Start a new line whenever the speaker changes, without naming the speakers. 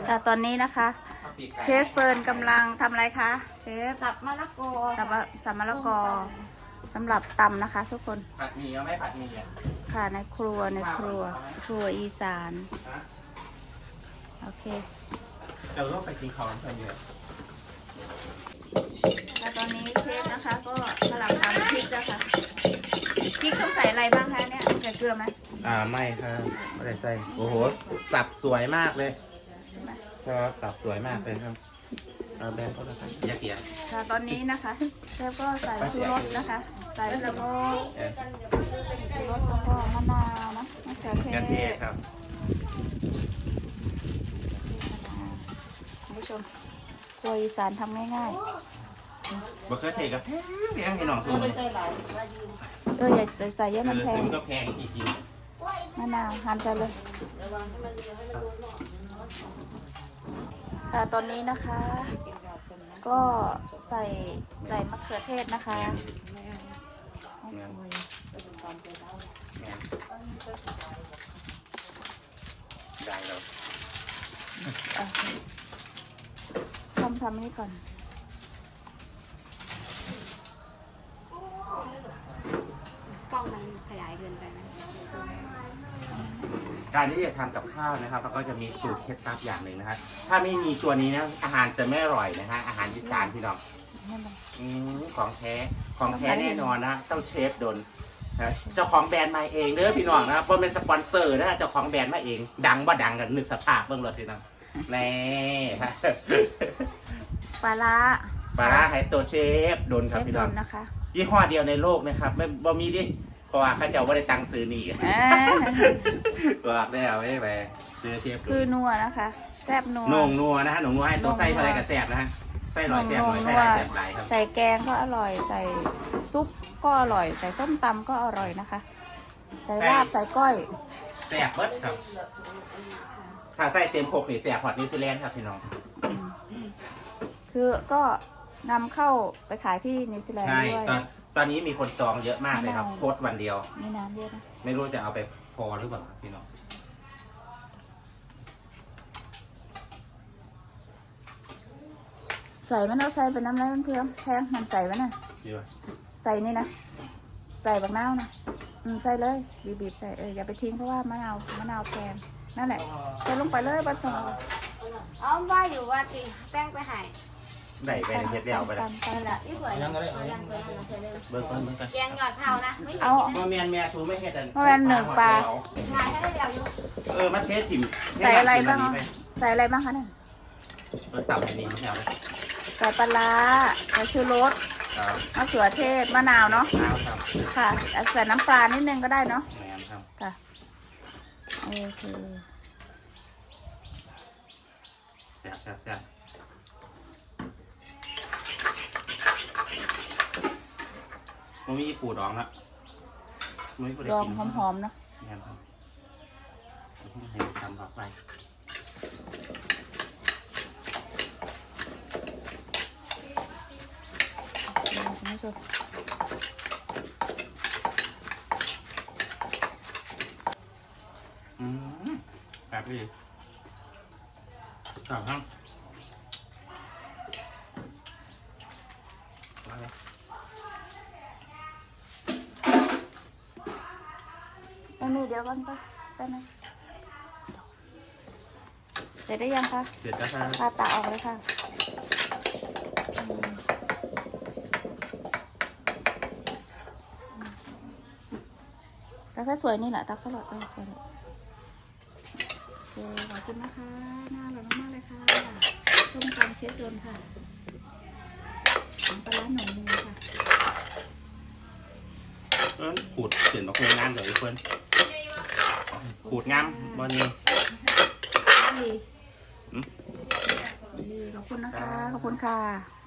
ค่ะตอนนี้นะคะเชฟเฟิร์นกำลังทำอะไรคะเชฟ
สับมะละกอ
สับมะละกอสำหรับตำนะคะทุกคน
ผัดหมี่เอาไหมผัดหมี่อ่ะ
ค่ะในครัวอีสานโอเค
เดี๋ยวเราไปกินข้าวกันเยอะ
แล้วตอนนี้เชฟนะคะก็กำลังทำพริกแล้วค่ะพริกต้องใส่อะไรบ้างคะเนี่ยใส่เกลือไหม
ไม่ครับไม่ได้ใส่โอ้โหสับสวยมากเลยครับสับสวยมากเลยครับเอาแบนก็แล้วกันอย่าเสีย
ค่ะตอนนี้นะคะเชฟก็ใส่ชูรสนะคะใส่ชูรสแล้วก็มะนาวนะมะเขือเท
กระเทีย
ศ
ครับ
คุณผู้ชมครัวอีสานทำง่าย
บะเขือเทศกับแพงให้น้องสูง
ไม่ใส่หลาย
ๆอย่าใส่เยอะมันแพง
มันก็แพงจริง
มะนาวหั่นไปเลยตอนนี้นะคะ ก็ใส่มะเขือเทศนะคะ
ได้แล้ว
ทำนี่ก่อน
กล้องมันขยายเกินไปไหม
การที่จะทำกับข้าวนะครับเราก็จะมีสูตรเคล็ดลับอย่างหนึ่งนะครับถ้าไม่มีตัวนี้นะอาหารจะไม่อร่อยนะฮะอาหารอีสานพี่น้องของแท้แน่นอนนะต้องเชฟดนนะเจ้าของแบรนด์มาเองเด้อพี่น้องนะเพราะเป็นสปอนเซอร์นะเจ้าของแบรนด์มาเองดังบ่ดังกันนึกสภาพเบื้องรถพี่น้องแน่ฮะ
ปลาร้า
ปลาร้าไฮโตเชฟดนครับพี่น้อง
นะคะ
ยี่ห้อเดียวในโลกนะครับไม่บ่มีดิเพราะว่าเขาเจ้าไม่ได้ตังค์ซื้อนี่บอกได้เอาไม่ไปซื้อเชฟ
คือนัวนะคะแซ่บนัว
หน่งนัวนะฮะหน่งนัวให้ตัวไส้เท่าไรกับแซ่บนะฮะไส้หน่อยแซ่บหน่อยไส้หลายแซ่บหลายครับ
ใส่แกงก็อร่อยใส่ซุปก็อร่อยใส่ส้มตำก็อร่อยนะคะ ใส่ลาบใส่ก้อย
แซ่บเบิดครับถ้าไส้เต็มโคกนี่แซ่บฮอตนิวซีแลนด์ครับพี่น้อง
คือก็นำเข้าไปขายที่นิวซีแลนด์
ใช่
ด้วย
ตอนนี้มีคนจองเยอะมากเลยครับโพสต์วันเดียว
มีน้ำเยอะนะ
ไม่รู้จะเอาไปพอหรือเปล่าครับพี่น้อง
ใส่มันเอาใส่เป็นน้ำไรมันเพื่อมแพงมันใส่ไว้น่ะ
ดีป่ะ
ใส่นี่นะใส่บักนาวนะใส่เลยบีบๆใส่อย่าไปทิ้งเพราะว่ามะนาวแพงนั่นแหละใส่ลงไปเลยบัดพอ
อ๋อว่าอยู่ว่าสิแป้งไปหาย
ได้ไปในเทปเดียวไปเลย
ไปละ
นี่เผื่อยังเลยยังเคยเลย
เบิร์กัน
แกงหยอดข้าวนะไม่
เอา
มาเมียนเมียซูไม่เฮ็ดอัน
มาเมียนหนึ่งปลา
งานให้ได้เดียวอยู่
มาเทสถิ่ม
ใส่อะไรบ้างใส่อะไรบ้างคะเนี่ย
ตับอันนี้ไม่เอาเลย
ใส่ปลาร้าใส่ชูรส
ครับ
มะเขือเทศมะนาวเนาะ
ข้าวครับ
ค่ะใส่น้ำปลานิดนึงก็ได้เนาะ
แมนครับ
ค่ะโอเค
แซ่บมันมีปูดองละมันมีปูได้
ลอง
กิน
หอมๆเนาะ
แมนครับให้ทำต่อไป
คุณผู้ชม
แบบนี้ต่อครับ
ไม่มีเดี๋ยวก่อนไปไหมเสร็จได้ยังคะ
เสร็จแล้วครับ
พาตาออกเลยค่ะตักใส่ถ้วยนี่แหละตักสลัดถ้วยโอเคขอบคุณนะคะน่าอร่อยมากๆเลยค่ะส้มตำเชฟโดนค่ะปลาร้าหน่อยนึงค่ะ
ขูดเสียนมาคุยงานเดี๋ยวอีกคนขูดงามบอลนี้
ดีขอบคุณนะคะขอบคุณค่ะ